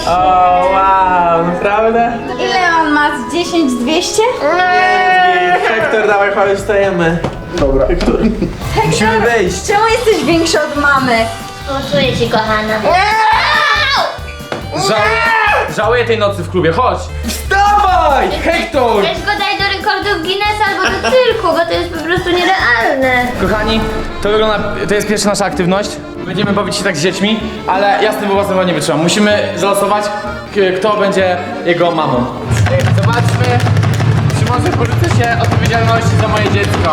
O, wow, naprawdę? Ile on ma? Z 10, 200? Hektor, dawaj, chodź, stajemy. Dobra. Musimy wyjść. Czemu jesteś większy od mamy? Głosuję ci, kochana. Żałuję tej nocy w klubie, chodź. Wstawaj, Hektor! Weź go daj do rekordów Guinnessa albo do cyrku, bo to jest po prostu nierealne. Kochani, to jest pierwsza nasza aktywność. Będziemy bawić się tak z dziećmi, ale ja z tym własnym nie wytrzymam. Musimy zalosować, kto będzie jego mamą. Zobaczmy, czy może porzucę się odpowiedzialności za moje dziecko.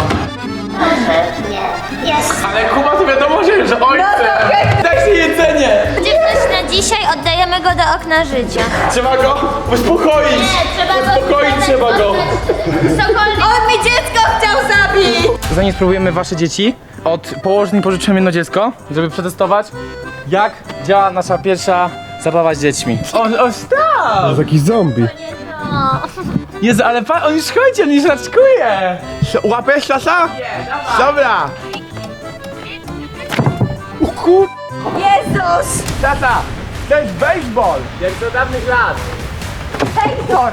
Nie, jest. Ale Kuba to wiadomo, że ojcem. Daj się jedzenie. Będzie coś na dzisiaj, oddajemy go do okna życia. Trzeba go uspokoić. Nie, trzeba go Uspokoić trzeba go. Cokolwiek. On mi dziecko chciał zabić! Zanim spróbujemy wasze dzieci, od położni pożyczyłem jedno dziecko, żeby przetestować, jak działa nasza pierwsza zabawa z dziećmi. O, stop! Jakiś zombie. No. Jezu, ale on już chodzi, on już raczkuje! Łapiesz Sasa? Dobra. Jezus! Tata, to jest baseball. Jak do dawnych lat. Hektor!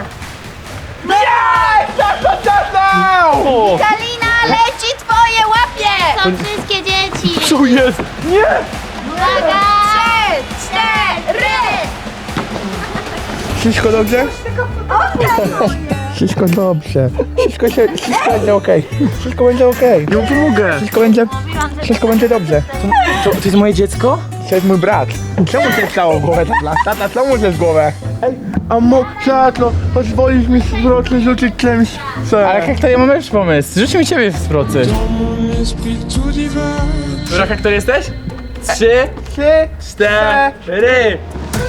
Tata! Kalina, leci twoje łapie! Są wszystkie dzieci. Tu jest. Nie. Uwaga! 3, 4! Wszystko dobrze? Wszystko dobrze. Wszystko będzie okej. Wszystko będzie okej. Nie pomogę. Wszystko będzie dobrze. To jest moje dziecko? To jest mój brat. Czemu się stało w głowę, tata? Tata, co mu się w głowę? Ej, a tato, pozwolisz mi z wroty rzucić czymś? Ale Hektor, ja mam lepszy pomysł. Rzuć mi ciebie z procy. Dobra, Hektor, jesteś? 3, 4.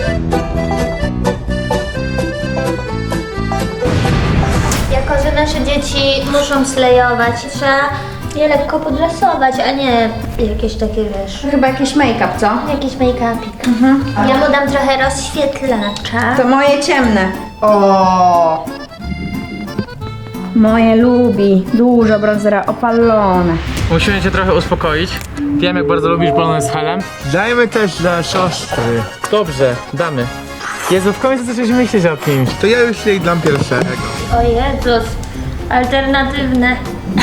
Jako, że nasze dzieci muszą slejować, trzeba je lekko podrasować, a nie jakieś takie, wiesz, Chyba jakiś make-up, co? jakiś make-upik. Ja mu dam trochę rozświetlacza. To moje ciemne. O. Moje lubi. Dużo bronzera, opalone. Musimy cię trochę uspokoić. Wiem, jak bardzo lubisz balony z helem. Dajmy też dla siostry. Dobrze, damy. Jezu, w końcu zaczęliś myśleć o kimś. To ja już jej dam pierwszego. O Jezus, alternatywne.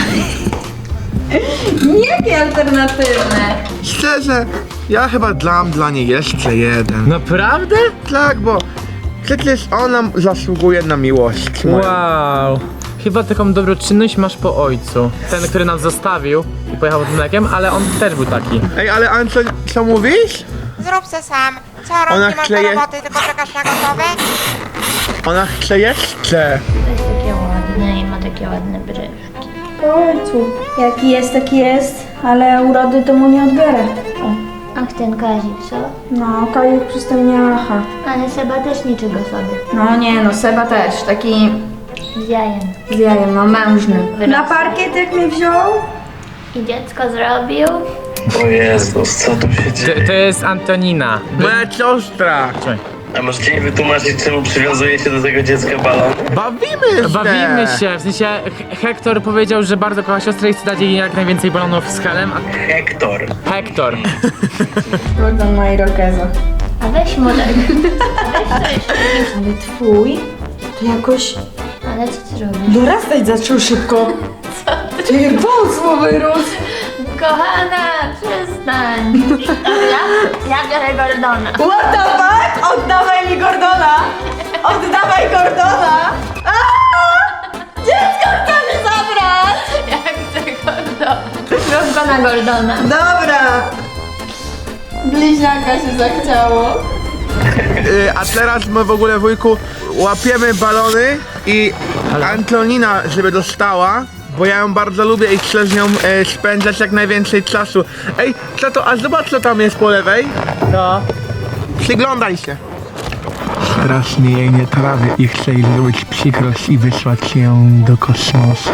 Jakie alternatywne? Szczerze, ja chyba dam dla niej jeszcze jeden. Naprawdę? Tak, bo przecież ona zasługuje na miłość moją. Wow. Chyba taką dobroczynność masz po ojcu. Ten, który nas zostawił i pojechał z mlekiem, ale on też był taki. Ej, ale Anco, co mówisz? Zrób se sam. Co Ona rok nie masz do chce je- roboty, tylko czekasz na gotowe? Ona chce jeszcze. To jest takie ładne i ma takie ładne bryłki. Po ojcu. Jaki jest, taki jest, ale urody to mu nie odbiorę. Ach, ten Kazik, co? No, Kajuk przystojniacha. Ale Seba też niczego sobie. No nie, no Seba też, taki Z jajem. z jajem, no mężny. Wyrosły. Na parkiet jak mnie wziął? I dziecko zrobił. O Jezus, co tu się dzieje? To jest Antonina. Moja siostra. A możecie mi wytłumaczyć, czemu przywiązujecie do tego dziecka balon? Bawimy się. Bawimy się, w sensie Hektor powiedział, że bardzo kocha siostrę i chce dać jej jak najwięcej balonów z helem, a Hektor. Hektor. Gordon ma irokeza. A weź mu tak. Weź to jeszcze. Ale twój to jakoś Ale co ty robisz? dorastać zaczął szybko. Co ty? Wąsło wyrósł. Kochana, przestań. Dobra, ja biorę Gordona. What the fuck? Oddawaj mi Gordona! Oddawaj Gordona! Dziecko chce mi zabrać! Ja chcę Gordona. Rób go na Gordona. Dobra. Bliźniaka się zachciało. A teraz my w ogóle, wujku, łapiemy balony i Antonina, żeby dostała, bo ja ją bardzo lubię i chcę z nią spędzać jak najwięcej czasu. Ej, co to? A zobacz, co tam jest po lewej. No. Przyglądaj się. Strasznie jej nie trawię i chcę jej zrobić przykrość i wysłać ją do kosmosu.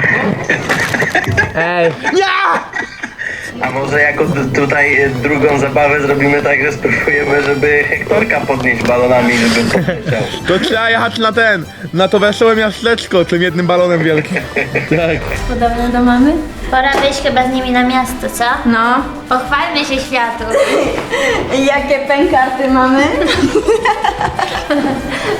Ej, A może jako tutaj drugą zabawę zrobimy tak, że spróbujemy, żeby Hektorka podnieść balonami, żeby poleciał. To trzeba jechać na to wesołe miasteczko, tym jednym balonem wielkim. Podobne do mamy? Pora wyjść chyba z nimi na miasto, co? No. Pochwalmy się światu. Jakie pękarty mamy?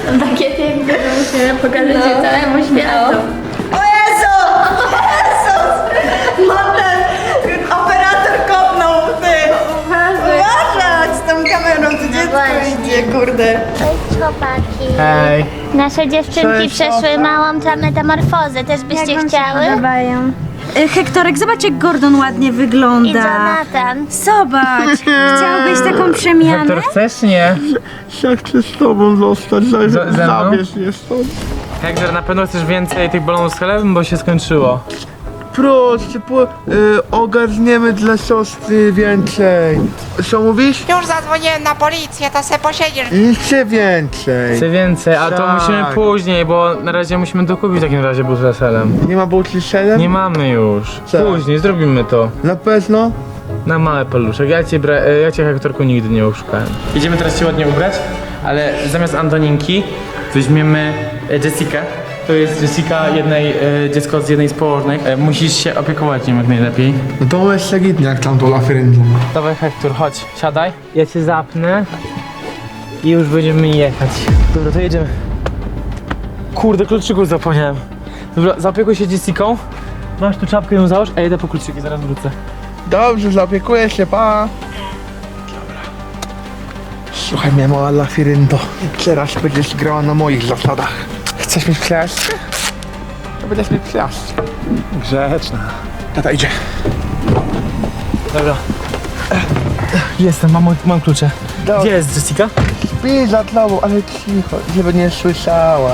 Takie piękne, że musimy pokazać je całemu światu. O Jezu! Jezus! Operator kopnął ty! Uważać z tą kamerą, to dziecko właśnie. idzie, kurde. Cześć chłopaki. Hej. Nasze dziewczynki Cześć, przeszły Ola. małą metamorfozę. Też byście chciały? podobają? Hektorek, zobacz jak Gordon ładnie I wygląda. Jonathan. Zobacz! Chciałbyś taką przemianę? chcesz? Nie. Ja chcę z tobą zostać, ze mną? zabierz mnie stąd. Hektor, na pewno chcesz więcej tych balonów z chlebem, bo się skończyło. Proszę, ogarniemy dla siostry więcej. Co mówisz? Już zadzwoniłem na policję, to se posiedzisz. Nic więcej. Chcę więcej, a to Tak. musimy później, bo na razie musimy dokupić w takim razie but z weselem. Nie ma bułki z serem? Nie mamy już. Co? Później zrobimy to. Na pewno? Na małe paluszek. Ja cię Hektorku nigdy nie oszukałem. Idziemy teraz się ładnie ubrać, ale zamiast Antoninki weźmiemy Jessikę. To jest Jessica, dziecko z jednej z położnych. Musisz się opiekować nim jak najlepiej. No to jest legitnie jak tam to lafryndą. Dawaj Hektor, chodź, siadaj. Ja cię zapnę i już będziemy jechać. Dobra, to jedziemy. Kurde, kluczyków zapomniałem. Dobra, zaopiekuj się Jessiką. Masz tu czapkę, ją załóż, a ja idę po kluczyki, zaraz wrócę. Dobrze, zaopiekuję się, pa. Dobra. Słuchaj mnie, mała lafiryndo. Teraz będziesz grała na moich zasadach. Chcesz mieć przyjaźń? To będziesz mieć przyjaźń. Grzeczna. Tata idzie. Dobra. Jestem, mam klucze. Gdzie jest Jessica? Śpi za tobą, ale cicho, żeby nie słyszała.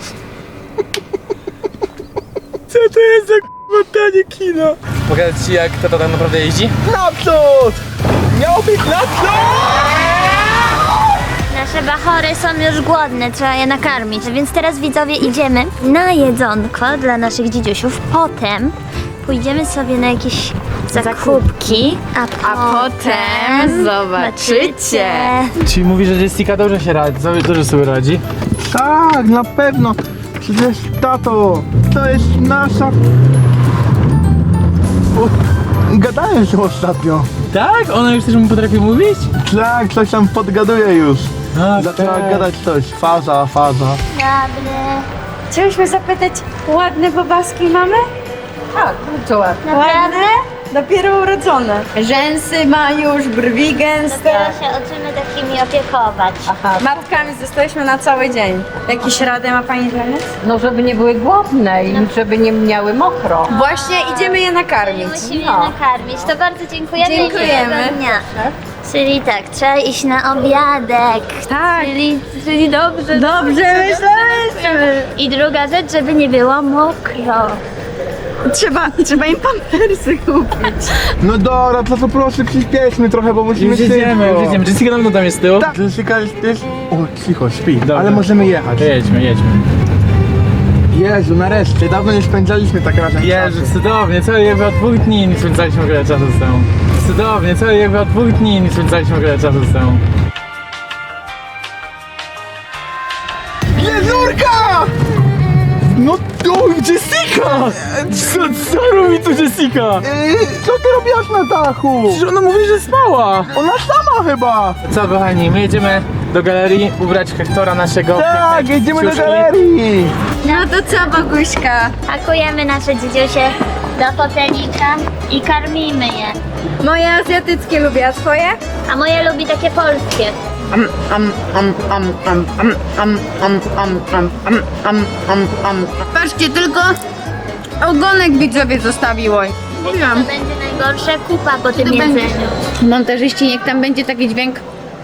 Co to jest za k***a kino? Pokazać ci jak tata tak naprawdę jeździ? Naprzód! Miał być naprzód! Nasze bachory są już głodne, trzeba je nakarmić. Więc teraz widzowie idziemy na jedzonko dla naszych dzidziusiów. Potem pójdziemy sobie na jakieś zakupki, a potem zobaczycie. Czyli mówi, że Jessica dobrze się radzi, dobrze sobie radzi. Tak, na pewno. Przecież tato, to jest nasza... O, gadałem się ostatnio. Tak? Ona już też mu potrafi mówić? Tak, coś tam podgaduje już. A, Zaczęła gadać coś. Faza. Dobry. Chciałyśmy zapytać, ładne bobaski mamy? Tak, bardzo ładne. Naprawdę? Dopiero urodzone. Rzęsy ma już, brwi gęste. Dopiero się uczymy takimi opiekować. Matkami zostałyśmy na cały dzień. Jakieś rady ma pani dla nas? No, żeby nie były głodne i żeby nie miały mokro. Właśnie idziemy je nakarmić. Musimy je nakarmić. To bardzo dziękujemy. i Dziękujemy. miłego dnia. Czyli tak, trzeba iść na obiadek. Tak. Czyli dobrze. Dobrze myślałyśmy. I druga rzecz, żeby nie było mokro. Trzeba im pampersy kupić. No dobra, to proszę przyspieszmy trochę, bo musimy Już jedziemy. Jessica na pewno tam jest z tyłu? Tak, Jessica jest... O, cicho, śpi. Dobra. Ale możemy jechać. Jedźmy. Jezu, nareszcie, dawno nie spędzaliśmy tak razem Jezu, czasu. cudownie, co jakby od 2 dni nie spędzaliśmy wiele czasu z tobą. Cudownie, co jakby od 2 dni nie spędzaliśmy wiele czasu z tobą. Jezurka! No to Jessica! Co robi tu Jessica? Co ty robiłaś na dachu? Przecież ona mówi, że spała. Ona sama chyba! Co kochani, my jedziemy do galerii ubrać Hektora naszego Tak, pięknej jedziemy do ciuszki. galerii! No to co, Boguśka? Pakujemy nasze dzidziusie do fotelika i karmimy je. Moje azjatyckie lubię, a twoje? A moje lubi takie polskie. Patrzcie, tylko ogonek widzowie zostawiło. To będzie najgorsza kupa po tym To będzie- jedzeniu. Montażyści, niech tam będzie taki dźwięk.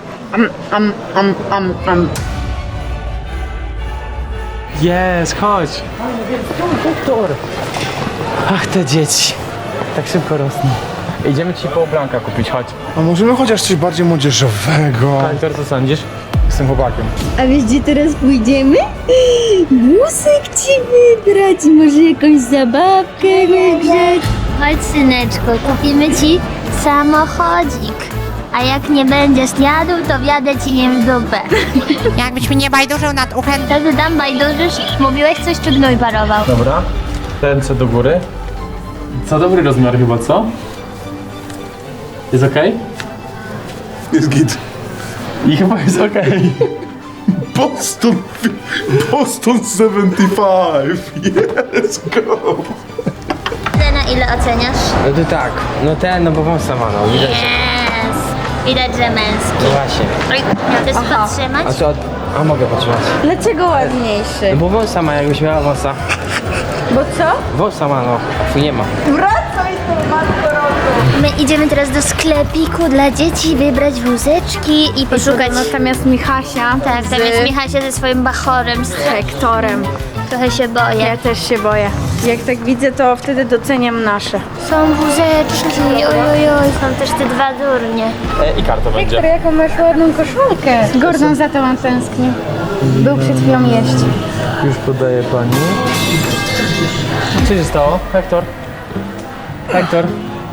Jest, chodź. Hektor. Ach, te dzieci. Tak szybko rosną. Idziemy ci po Blanka kupić, chodź. A możemy chociaż coś bardziej młodzieżowego? Hektor, co sądzisz? Jestem chłopakiem. A wiesz, gdzie teraz pójdziemy? Wózek ci wybrać, może jakąś zabawkę wygrzeć. Chodź syneczku, kupimy ci samochodzik. A jak nie będziesz jadł, to wjadę ci nie w dupę. Jakbyś mi nie bajdurzył nad uchem. Wtedy tam bajdurzysz, mówiłeś coś czy gnój parował? Dobra. Ręce do góry. Co dobry rozmiar chyba, co? Jest okej? Jest git. I chyba jest okej. Boston 75. Let's go. Na ile oceniasz? No to tak, no ten, no bo wąsa ma, no widać. Yes. Widać, że męski. No właśnie. Oj, miał też podtrzymać? A co, a mogę potrzymać? Dlaczego ładniejszy? No bo wąsa ma, jakbyś miała wąsa. Bo co? Wąsa ma, no, a twój nie ma. Wracaj tu, matko roku. My idziemy teraz do sklepiku dla dzieci, wybrać wózeczki i poszukać... Natomiast Michasia Tak, tam jest Michasia ze swoim bachorem. Hektorem. Trochę się boję. Ja też się boję. Jak tak widzę, to wtedy doceniam nasze. Są wózeczki, ojojoj, są też te dwa durnie. I karta będzie. Hektor, jaką masz ładną koszulkę. Gordon za tobą tęsknił. Był przed chwilą jeść. Już podaję pani. Co się stało? Hektor? Hektor?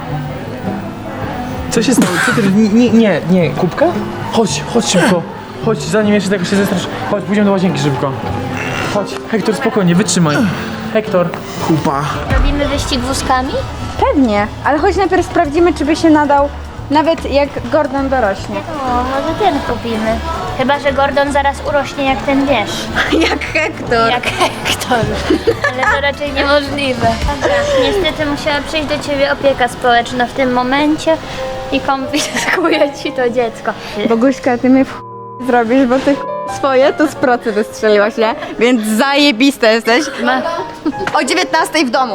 Co się stało? Co ty? Nie. Kubka? Chodź szybko. Chodź, zanim jeszcze tego się zestrasz. Chodź, pójdziemy do łazienki szybko. Chodź, Hektor, spokojnie, wytrzymaj. Hektor. Kupa. Robimy wyścig wózkami? Pewnie, ale chodź najpierw sprawdzimy, czy by się nadał, nawet jak Gordon dorośnie. O, może ten kupimy. Chyba, że Gordon zaraz urośnie jak ten, wiesz. Jak Hektor. Jak Hektor. Ale to raczej niemożliwe. Dobra, niestety musiała przyjść do ciebie opieka społeczna w tym momencie i konfiskuje ci to dziecko. Boguśka, ty mnie zrobisz, bo ty swoje to z procy wystrzeliłaś, nie? Więc zajebista jesteś. O 19 w domu.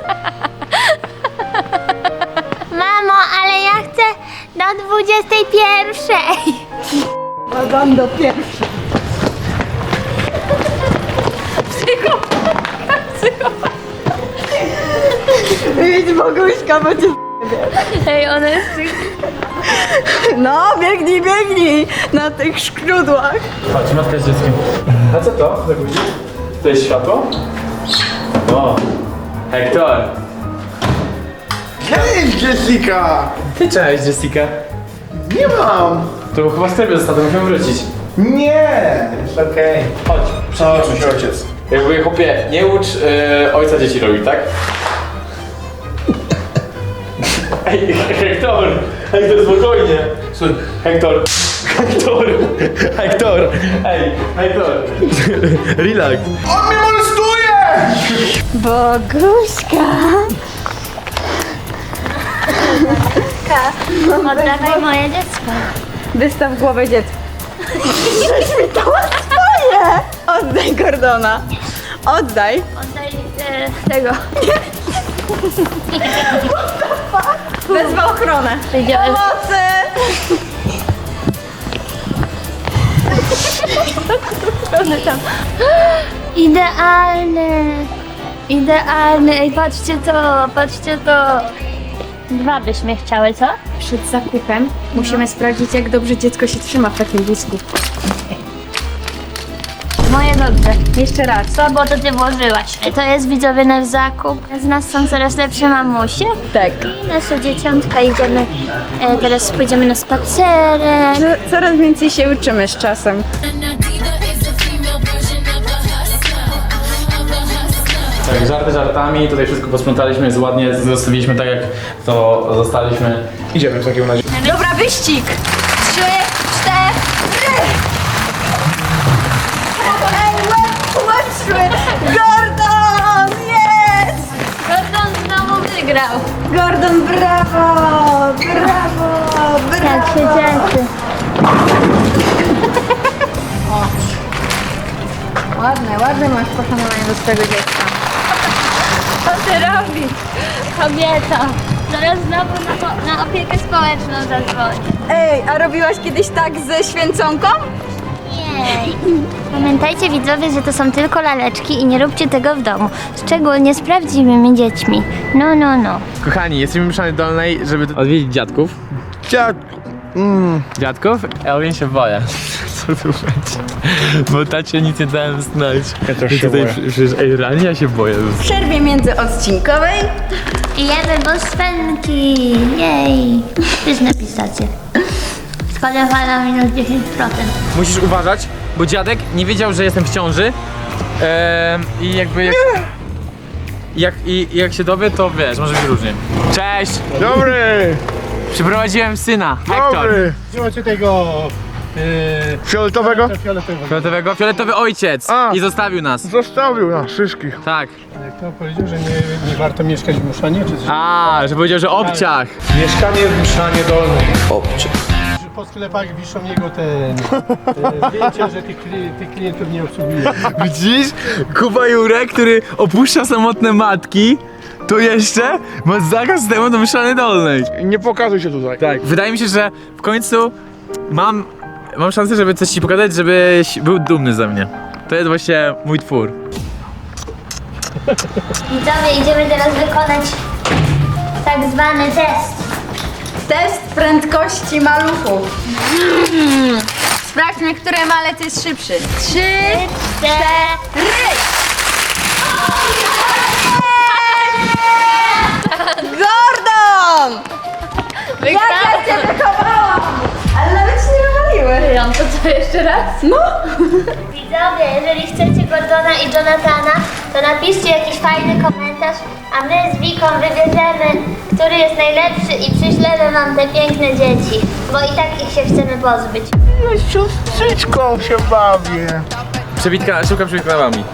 Mamo, ale ja chcę do 21. Dam do pierwszej. Idź Boguśka, bo cię... Ej, ona jest... No, biegnij na tych szkrudłach. Chodź, matka z dzieckiem. A co to? To jest światło? O, Hektor. Cześć, Jessica! Ty cześć, Jessica. Nie mam! To chyba w sklepie zostało, to musimy wrócić. Nie! Jest okej. Chodź, Chodź, się ojciec. jakby chłopie, nie ucz ojca dzieci robić, tak? Ej, Hektor! Hektor, spokojnie! Hektor! Ej, Hektor! Relax! On mnie molestuje! Boguśka. Oddawaj moje dziecko. Wystaw głowę dziecka. Żeś mi to swoje! Oddaj Gordona. Oddaj. Oddaj tego. Wezwę ochronę. Idziemy. Pomocy! Idealny! Idealny! Ej, patrzcie to! Dwa byśmy chciały, co? Przed zakupem musimy sprawdzić, jak dobrze dziecko się trzyma w takim wózku. Moje dobrze. Jeszcze raz. Co, bo to ty włożyłaś. To jest widzowie nasz zakup. Z nas są coraz lepsze mamusie. Tak. I nasze dzieciątka idziemy. Teraz pójdziemy na spacerek. Coraz więcej się uczymy z czasem. Tak, żarty żartami, tutaj wszystko posprzątaliśmy, jest ładnie, zostawiliśmy tak jak to zostaliśmy. Idziemy w takim razie. Dobra, wyścig! 3, 4. Ej, łeb szły! Gordon! Jest! Gordon znowu wygrał. Gordon, brawo! Brawo! Jak się cieszy. Ładne masz poszanowanie do swojego dziecka. Co ty robisz? Kobieta. Zaraz znowu na opiekę społeczną zadzwoni. Ej, a robiłaś kiedyś tak ze święconką? Jej. Pamiętajcie widzowie, że to są tylko laleczki i nie róbcie tego w domu. Szczególnie z prawdziwymi dziećmi. No. Kochani, jesteśmy w Mszany Dolnej, żeby odwiedzić dziadków. Dziadków? Elwin się boję. Co tu będzie? Bo tacie nic nie dałem znać. Ja też się boję. Przecież, realnie ja się boję. W przerwie międzyodcinkowej Jemy bosfenki. Jej. Pyszne pistacje. Składowana minus 10%. Musisz uważać, bo dziadek nie wiedział, że jestem w ciąży. I jakby... Jak się dowie, to wiesz, może być różnie. Cześć! Dobry! Przyprowadziłem syna, Hektor. Dobry! Słuchajcie tego! Fioletowego? Fioletowego? Fioletowy ojciec. A. I zostawił nas. Zostawił nas wszystkich. Tak. Kto powiedział, że nie warto mieszkać w Muszanie, czy coś? A, że powiedział, że obciach. Mieszkanie w Mszanie Dolnej. Że po sklepach wiszą jego zdjęcia, że tych klientów nie obsługuje. Widzisz? Kuba Jurek, który opuszcza samotne matki, to jeszcze ma zakaz temu do Myszany Dolnej. Nie pokazuj się tutaj. Tak. Wydaje mi się, że w końcu mam szansę, żeby coś ci pokazać, żebyś był dumny ze mnie. To jest właśnie mój twór. Widzowie, idziemy teraz wykonać tak zwany test. Test prędkości maluchów. Sprawdźmy, który malec jest szybszy. 3, 4. Gordon! Jak ja cię wychowałam! Ale nawet się nie wywaliły. To co, jeszcze raz? No! Widzowie, jeżeli chcecie Gordona i Jonathana, to napiszcie jakiś fajny komentarz, a my z Wiką wybierzemy, który jest najlepszy i przyślemy wam te piękne dzieci, bo i tak ich się chcemy pozbyć. Siostrzyczką się bawię. Przebitka, szybka przebitka wami.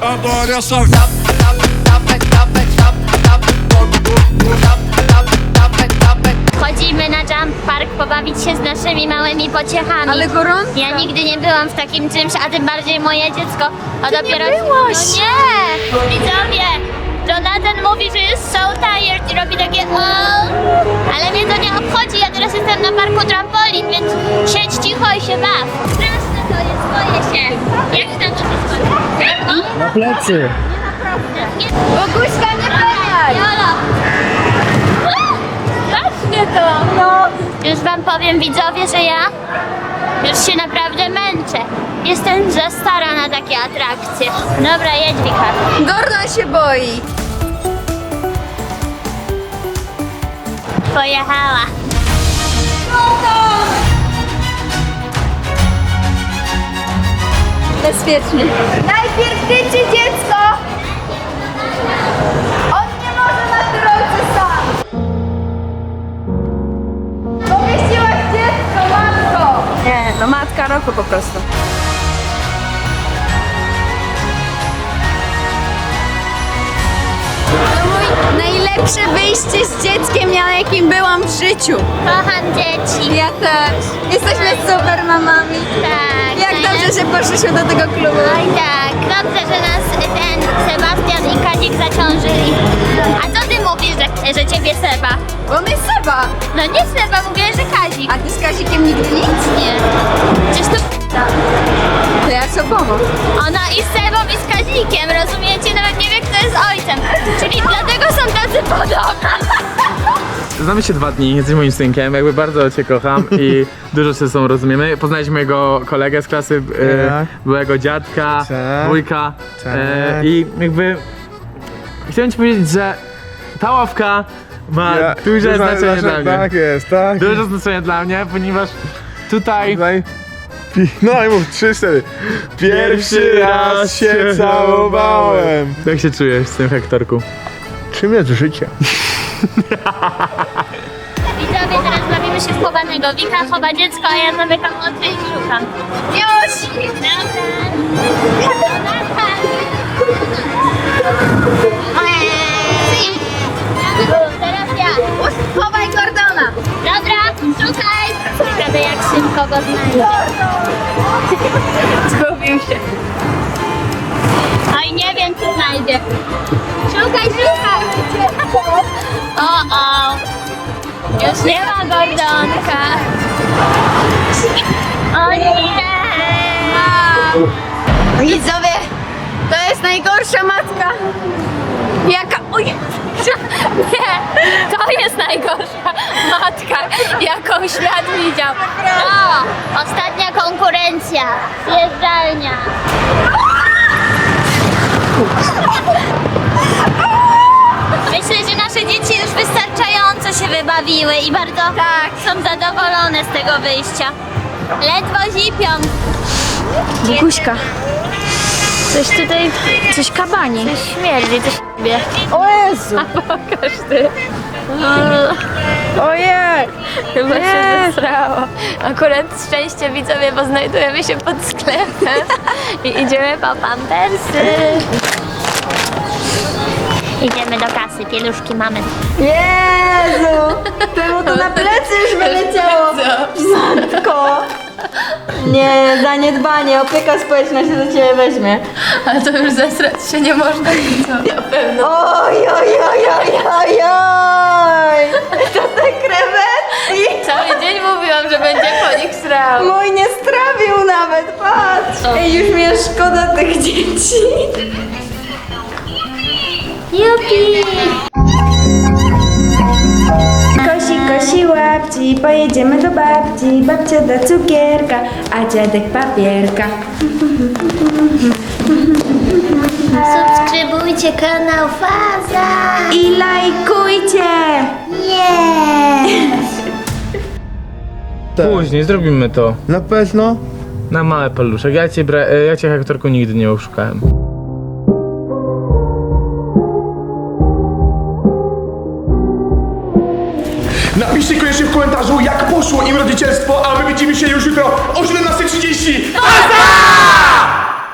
Chodzimy na jump park pobawić się z naszymi małymi pociechami. Ale gorąco. Ja nigdy nie byłam w takim czymś, a tym bardziej moje dziecko. A dopiero. nie byłaś. No nie! Widzowie! Jonathan mówi, że jest so tired i robi takie ale mnie to nie obchodzi, ja teraz jestem na parku trampolin, więc siedź cicho i się baw. Straszne to jest, boję się. Jak tam to jest? Na plecy. Boguśka, nie pękaj! Jolo! Strasznie to! No! Już wam powiem, widzowie, że ja już się naprawdę męczę. Jestem za stara na takie atrakcje. Dobra, jedź, Wika. Gordon się boi. Pojechała. Bezpiecznie. Najpierw tyczy dziecko! On nie może na drodze sam! Powiesiłaś dziecko, matko! Nie, no matka roku po prostu. To mój najlepsze wyjście z dzieckiem, na jakim byłam w życiu. Kocham dzieci. Ja też. Jesteśmy super mamami. Tak. Jak dobrze, że poszliśmy do tego klubu. Oj tak, dobrze, że nas ten Sebastian i Kazik zaciążyli. A co ty mówisz, że ciebie Seba? Bo my Seba. No nie Seba, mówię, że Kazik. A ty z Kazikiem nigdy nic? Nie. Przecież to To ja z oboma. ona i z Sebą i z Kazikiem, rozumiecie? Nawet nie wie, kto jest ojcem. Czyli dlatego są tacy podobni. Znamy się 2 dni, jesteś moim synkiem, jakby bardzo cię kocham i dużo się ze sobą rozumiemy. Poznaliśmy jego kolegę z klasy, byłego dziadka, Tak. wujka Tak. i jakby chciałem ci powiedzieć, że ta ławka ma duże znaczenie dla mnie. Tak jest, tak. Duże znaczenie dla mnie, ponieważ tutaj No i mów, 3, 4. Pierwszy raz się całowałem. jak się czujesz z tym Hektorku? Czym jest życie? Widzowie, teraz bawimy się w chowanego. Wika chowa dziecko, a ja zamykam oczy i szukam. Już! Dobra. Teraz ja. Chowaj Gordona. Dobra, szukaj! Ciekawe jak szybko go znajdę. Zgubił się. Oj, nie wiem czy znajdzie. Szukaj, szukaj! O! Już nie ma Gordonka. O nie! Widzowie, to jest najgorsza matka. Jaka... Oj, Nie, to jest najgorsza matka, jaką świat widział. O, ostatnia konkurencja. Zjeżdżalnia. Myślę, że nasze dzieci już wystarczająco się wybawiły i bardzo są zadowolone z tego wyjścia. Ledwo zipią. Guguśka. Coś tutaj, coś kabani. Coś śmierdzi, coś wie. O Jezu! Pokaż ty. Ojej! Chyba się zesrało. Akurat szczęście widzowie, bo znajdujemy się pod sklepem i idziemy po pampersy. Idziemy do kasy, pieluszki mamy. Jezu! Temu to na plecy już wyleciało! Matko! Nie, zaniedbanie, opieka społeczna się do ciebie weźmie. Ale to już zesrać się nie można. Na pewno. Oj, oj, oj, oj, oj, oj! To te krewetki! Cały dzień mówiłam, że będzie po nich srał. Mój nie strawił nawet, patrz! Ej, już mi jest szkoda tych dzieci. Jupi! Kosi łapci, pojedziemy do babci. Babcia da cukierka, a dziadek papierka. Subskrybujcie kanał Faza! I lajkujcie! Później zrobimy to. Na pewno? Na małe paluszek. Ja cię aktorku nigdy nie oszukałem. Napiszcie koniecznie w komentarzu, jak poszło im rodzicielstwo, a my widzimy się już jutro o 17:30.